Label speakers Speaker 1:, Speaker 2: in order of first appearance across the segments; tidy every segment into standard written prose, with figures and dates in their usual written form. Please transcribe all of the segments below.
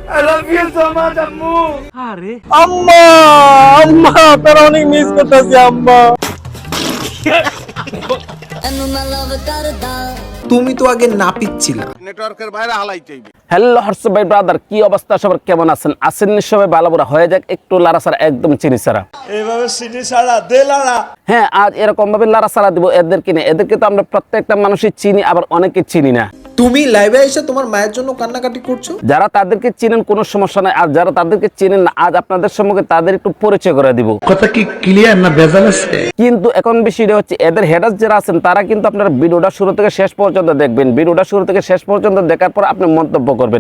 Speaker 1: I love you so much, আম্মু।
Speaker 2: আরে
Speaker 3: আম্মা আম্মা তোর অনেক মিস করতেছি আম্মা। তুমি তো আগে নাপিত ছিলা।
Speaker 4: নেটওয়ার্কের বাইরে হালাই চাইবে।
Speaker 2: হ্যালো হোয়াটসঅ্যাপ ভাই ব্রাদার, কি অবস্থা সবার, কেমন আছেন? আছেন সবাই ভালো? বড় হয়ে যাক একটু লারা সারা, একদম চিনি সারা।
Speaker 3: এইভাবে সিটি ছাড়া দে লাড়া।
Speaker 2: হ্যাঁ, আজ এরকম ভাবে লারা সারা দিব এদেরকে নিয়ে। এদেরকে তো আমরা প্রত্যেকটা মানুষই চিনি, আবার অনেকে চিনি না।
Speaker 3: তুমি লাইভে এসে তোমার মায়ের জন্য কান্নাকাটি করছো।
Speaker 2: যারা তাদেরকে চিনেন কোনো সমস্যা নাই, আর যারা তাদেরকে চিনেন না, আজ আপনাদের সম্মুখে তাদের একটু পরিচয় করে দিব।
Speaker 5: কথা কি ক্লিয়ার না ভেজাল আছে?
Speaker 2: কিন্তু এখন বিষয়টা হচ্ছে এদের হেডার্স যারা আছেন তারা কিন্তু আপনার ভিডিওটা শুরু থেকে শেষ পর্যন্ত দেখবেন। ভিডিওটা শুরু থেকে শেষ পর্যন্ত দেখার পর আপনি মন্তব্য করবেন।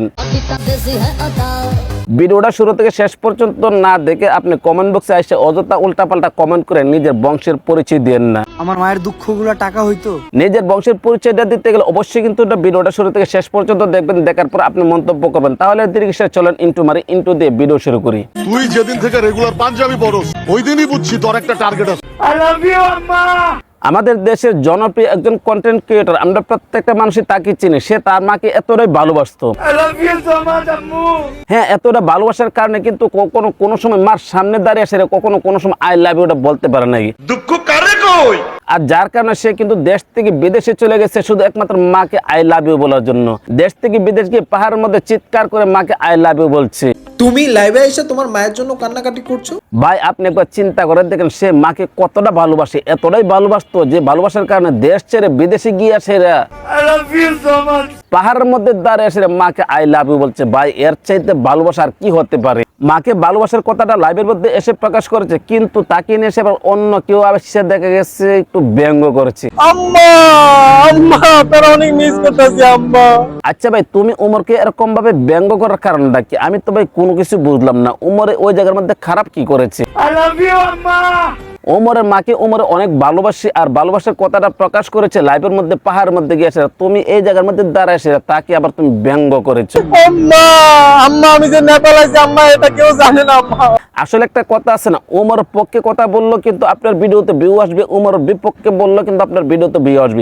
Speaker 2: ভিডিওটা শুরু থেকে শেষ পর্যন্ত না দেখে আপনি কমেন্ট বক্সে এসে অযথা উল্টাপাল্টা কমেন্ট করে নিজের বংশের পরিচয় দেন না।
Speaker 3: আমার মায়ের দুঃখগুলো টাকা হইতো।
Speaker 2: নিজের বংশের পরিচয়টা দিতে গেলে অবশ্যই কিন্তু ভিডিওটা শুরু থেকে শেষ পর্যন্ত দেখবেন, দেখার পর আপনি মন্তব্য করবেন। তাহলে দীর্ঘ চলেন ইন্টু দিয়ে ভিডিও শুরু করি।
Speaker 4: তুই যেদিন থেকে রেগুলার পাঞ্জাবি পরস ওই দিনই বুঝছি তোর একটা টার্গেট আছে।
Speaker 1: I love you, আম্মা।
Speaker 2: আমাদের দেশের জনপ্রিয় একজন কন্টেন্ট ক্রিয়েটর, আমরা প্রত্যেকটা মানুষই তাকে চিনি। সে তার মাকে এতটাই ভালোবাসতো,
Speaker 1: I love you so much, আম্মু।
Speaker 2: হ্যাঁ, এতটা ভালোবাসার কারণে কিন্তু কখনো কোনো সময় মার সামনে দাঁড়িয়ে আসে কখনো কোনো সময় আই লাভ ইউটা বলতে পারে নাই।
Speaker 4: দুঃখ কারে কই?
Speaker 2: আর যার কারণে সে কিন্তু দেশ থেকে বিদেশে চলে গেছে শুধু একমাত্র মাকে আই লাভ ইউ বলার জন্য। দেশ থেকে বিদেশ গিয়ে পাহাড়ের মধ্যে চিৎকার করে মাকে আই লাভ ইউ বলছে।
Speaker 3: তুমি লাইভে এসে তোমার মায়ের জন্য কান্নাকাটি করছো।
Speaker 2: ভাই আপনি একবার চিন্তা করে দেখেন, সে মাকে কতটা ভালোবাসে, এতটাই ভালোবাসতো যে ভালোবাসার কারণে দেশ ছেড়ে বিদেশে গিয়ে আসে
Speaker 1: I love you so much.
Speaker 2: পাহাড়ের মধ্যে দাঁড়িয়ে এসে মাকে আই লাভ ইউ বলছে। ভাই এর চাইতে ভালোবাসা আর কি হতে পারে? মাকে ভালোবাসার কথাটা লাইভের মধ্যে এসে প্রকাশ করেছে, কিন্তু তাকে নিয়ে এসে আবার অন্য কেউ সে দেখা গেছে একটু ব্যঙ্গ করেছে।
Speaker 3: আম্মা আম্মা তোর অনেক মিস করতেছি আম্মা।
Speaker 2: আচ্ছা ভাই, তুমি উমরকে এরকম ভাবে ব্যঙ্গ করার কারণটা কি? আমি তো ভাই কোনো কিছু বুঝলাম না। উমরে ওই জায়গার মধ্যে খারাপ কি করেছে?
Speaker 1: I love you, আম্মা।
Speaker 2: ওমরের মাকে ওমরে অনেক ভালোবাসি, আর ভালোবাসার কথাটা প্রকাশ করেছে লাইভের মধ্যে পাহাড়ের মধ্যে গিয়েছে। তুমি এই জায়গার মধ্যে দাঁড়ায় এসে তাকে আবার তুমি ব্যঙ্গ করেছো।
Speaker 3: আম্মা আম্মা আমি যে নেপাল আছি আম্মা, এটা কেউ জানে না আম্মা।
Speaker 2: আসলে একটা কথা আছে না, ওমর পক্ষে কথা বললো কিন্তু আপনার ভিডিওতে ভিউ আসবে, ওমর বিপক্ষে বললো কিন্তু আপনার ভিডিওতে ভিউ আসবে।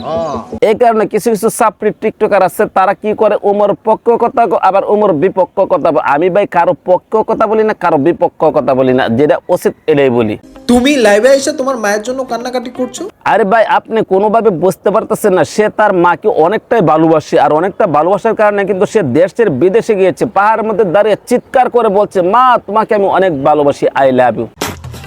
Speaker 2: এই কারণে কিছু কিছু সাপ্রি টিকটকার আছে, তারা কি করে ওমর পক্ষ কথা আবার ওমর বিপক্ষ কথা। আমি ভাই কারো পক্ষ কথা বলি না, কারো বিপক্ষ কথা বলি না, যেটা উচিত এটাই বলি।
Speaker 3: তুমি লাইভে এসে তোমার মায়ের জন্য কান্নাকাটি করছো।
Speaker 2: আরে ভাই আপনি কোনোভাবে বুঝতে পারতেছেন না, সে তার মাকে অনেকটাই ভালোবাসে, আর অনেকটা ভালোবাসার কারণে কিন্তু সে দেশের বিদেশে গিয়েছে, পাহাড়ের মধ্যে দাঁড়িয়ে চিৎকার করে বলছে, মা তোমাকে আমি অনেক ভালোবাসি, আই লাভ ইউ।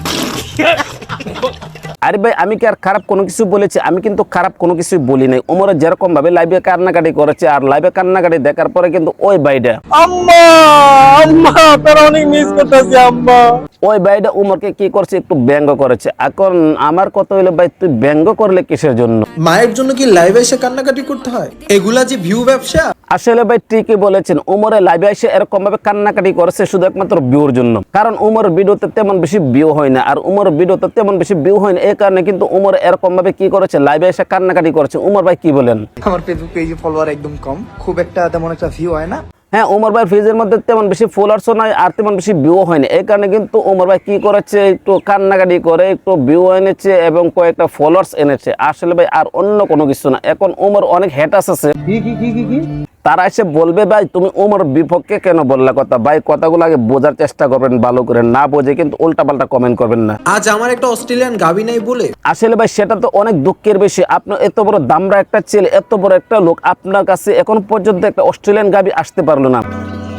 Speaker 2: আরে ভাই আমি কি আর খারাপ কোনো কিছু বলেছি? আমি কিন্তু খারাপ কোনো কিছু বলি নাই। ওমরে যেরকম ভাবে লাইভে কান্নাকাটি করেছে, আর লাইভে কান্নাকাটি দেখার পরে কিন্তু ওই ভাইটা
Speaker 3: আম্মা আম্মা তোর অনেক মিস করতেছি আম্মা।
Speaker 2: ওই ভাইটা উমরকে কি করছে, একটু ব্যঙ্গ করেছে। এখন আমার কথা হইলো ভাই তুই ব্যঙ্গ করলে কিসের জন্য?
Speaker 3: মায়ের জন্য কি লাইভে এসে কান্নাকাটি করতে হয়? এগুলা যে ভিউ ব্যবসা।
Speaker 2: আসলে ভাই ঠিকই বলেছেন, উমরে লাইভে এসে এরকম ভাবে কান্নাকাটি করেছে শুধু একমাত্র ভিউর জন্য। কারণ উমরের ভিডিওতে তেমন বেশি ভিউ হয় না, আর উমরের ভিডিওতে তেমন বেশি ভিউ হয় না, এই কারণে কিন্তু উমর এরকম ভাবে কি করেছে, লাইভে এসে কান্নাকাটি করেছে। উমর ভাই কি বলেন?
Speaker 6: আমার ফেসবুক পেজে ফলোয়ার একদম কম, খুব একটা তেমন একটা ভিউ হয় না।
Speaker 2: হ্যাঁ, উমর ভাই ফেজের মধ্যে তেমন বেশি ফলোয়ার্সও নাই, আর তেমন বেশি ভিউ হয়নি। এই কারণে কিন্তু উমর ভাই কি করেছে, একটু কান্নাকাটি করে একটু ভিউ এনেছে এবং কয়েকটা ফলোয়ার্স এনেছে। আসলে ভাই আর অন্য কোনো কিছু না। এখন উমর অনেক হ্যাটার্স আছে, তারা এসে বলবে ভাই তুমি উমর বিপক্ষে কেন বললা কথা। ভাই কথাগুলো আগে বোঝার চেষ্টা করবেন ভালো করে, না বোঝে কিন্তু উল্টাপাল্টা কমেন্ট করবেন না।
Speaker 3: আজ আমার একটা অস্ট্রেলিয়ান গাবি নাই বলে।
Speaker 2: আসলে ভাই সেটা তো অনেক দুঃখের বিষয়। আপনার এত বড় দামরা একটা ছেলে, এত বড় একটা লোক, আপনার কাছে এখন পর্যন্ত একটা অস্ট্রেলিয়ান গাবি আসতে পারলো না।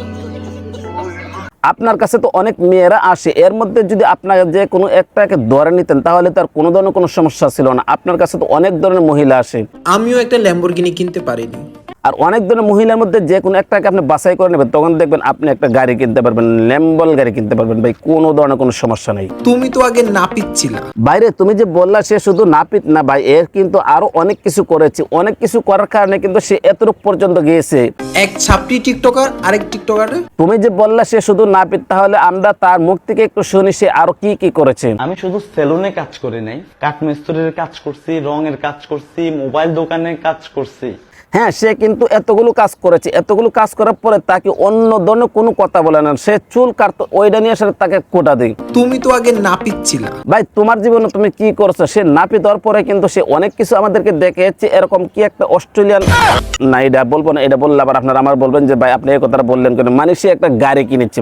Speaker 2: আপনার কাছে তো অনেক মেয়েরা আসে, এর মধ্যে যদি আপনাকে যে কোনো একটাকে ধরে নিতেন তাহলে তার কোনো ধরনের কোনো সমস্যা ছিল না। আপনার কাছে তো অনেক ধরনের মহিলা আসে,
Speaker 3: আমিও একটা ল্যাম্বরগিনি কিনতে পারিনি।
Speaker 2: আর অনেক ধরনের মহিলার মধ্যে যে কোনো একটাকে আপনি বাছাই করে নেবেন, তখন দেখবেন আপনি একটা গাড়ি কিনতে পারবেন, ল্যাম্বল গাড়ি কিনতে পারবেন। ভাই কোনো ধরনের কোনো সমস্যা নেই।
Speaker 3: তুমি তো আগে নাপিত ছিলা।
Speaker 2: বাইরে তুমি যে বললা সে শুধু নাপিত না ভাই, এর কিন্তু আরো অনেক কিছু করেছে। অনেক কিছু করার কারণে কিন্তু সে এতটুকু পর্যন্ত গিয়েছে।
Speaker 3: এক ছাপটি টিকটকার আরেক টিকটকার।
Speaker 2: তুমি যে বললা সে শুধু নাপিত, তাহলে আমরা তার মুখ থেকে একটু শুনি সে আরো কি কি করেছে।
Speaker 7: আমি শুধু সেলুনে কাজ করি নাই, কাঠমিস্ত্রির কাজ করছি, রঙের কাজ করছি, মোবাইল দোকানে কাজ করছি।
Speaker 2: হ্যাঁ, সে কিন্তু এতগুলো কাজ করেছে, এতগুলো কাজ করার পরে তাকে অন্য ধরনের কোনো কথা বলে না, সে চুল কাটতো ওইটা নিয়ে আসলে তাকে কোটা দেয়।
Speaker 7: তুমি তো আগে নাপিত ছিলা
Speaker 2: ভাই তোমার জীবনে তুমি কি করছো? সে নাপিত হওয়ার পরে কিন্তু সে অনেক কিছু আমাদেরকে দেখেছে, এরকম কি একটা অস্ট্রেলিয়ান, না এটা বলবো না, এটা বললে আবার আপনারা আমার বলবেন যে ভাই আপনি এই কথাটা বললেন কেন। মানে সে একটা গাড়ি কিনেছে,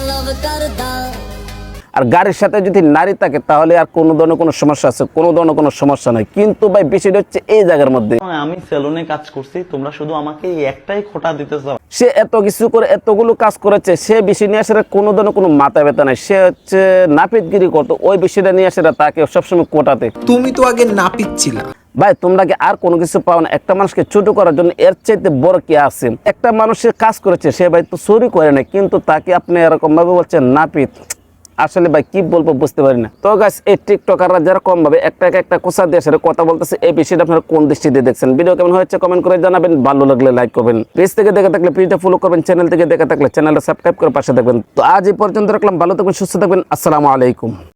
Speaker 2: আর গাড়ির সাথে যদি নারী থাকে তাহলে আর কোনো ধরনের কোনো সমস্যা আছে? কোনো ধরনের কোনো সমস্যা নাই। কিন্তু ভাই বিষয়টা হচ্ছে এই জায়গার মধ্যে,
Speaker 8: আমি সেলুনে কাজ করছি, তোমরা শুধু আমাকে এই একটাই খোটা দিতেছ।
Speaker 2: সে এত কিছু করে এতগুলো কাজ করেছে, সে বিষয় নিয়ে আসলে কোনো ধরনের কোনো মাথা ব্যথা নাই। সে হচ্ছে নাপিতগিরি করতো, ওই বিষয়টা নিয়ে আসলে তাকে সবসময় কোটাতে।
Speaker 7: তুমি তো আগে নাপিত ছিলা
Speaker 2: ভাই তোমরা কি আর কোনো কিছু পাও না? একটা মানুষকে ছোট করার জন্য এর চাইতে বড় কি আছে? একটা মানুষের কাজ করেছে, সে ভাই তো চুরি করে না, কিন্তু তাকে আপনি এরকম ভাবে বলছেন নাপিত। আসলে ভাই কি বলবো বুঝতে পারি না। তো গাইস, এই টিকটকাররা যারা কম ভাবে একটা কোসা দিয়ে আসলে কথা বলতেছে, এই বিষয়টা আপনারা কোন দৃষ্টিতে দেখছেন? ভিডিও কেমন হয়েছে কমেন্ট করে জানাবেন, ভালো লাগলে লাইক করবেন, পেজ থেকে দেখে থাকলে পেজটা ফলো করবেন, চ্যানেল থেকে দেখে থাকলে চ্যানেলটা সাবস্ক্রাইব করে পাশে থাকবেন। তো আজ এই পর্যন্ত রাখলাম, ভালো থাকবেন, সুস্থ থাকবেন, আসসালামু আলাইকুম।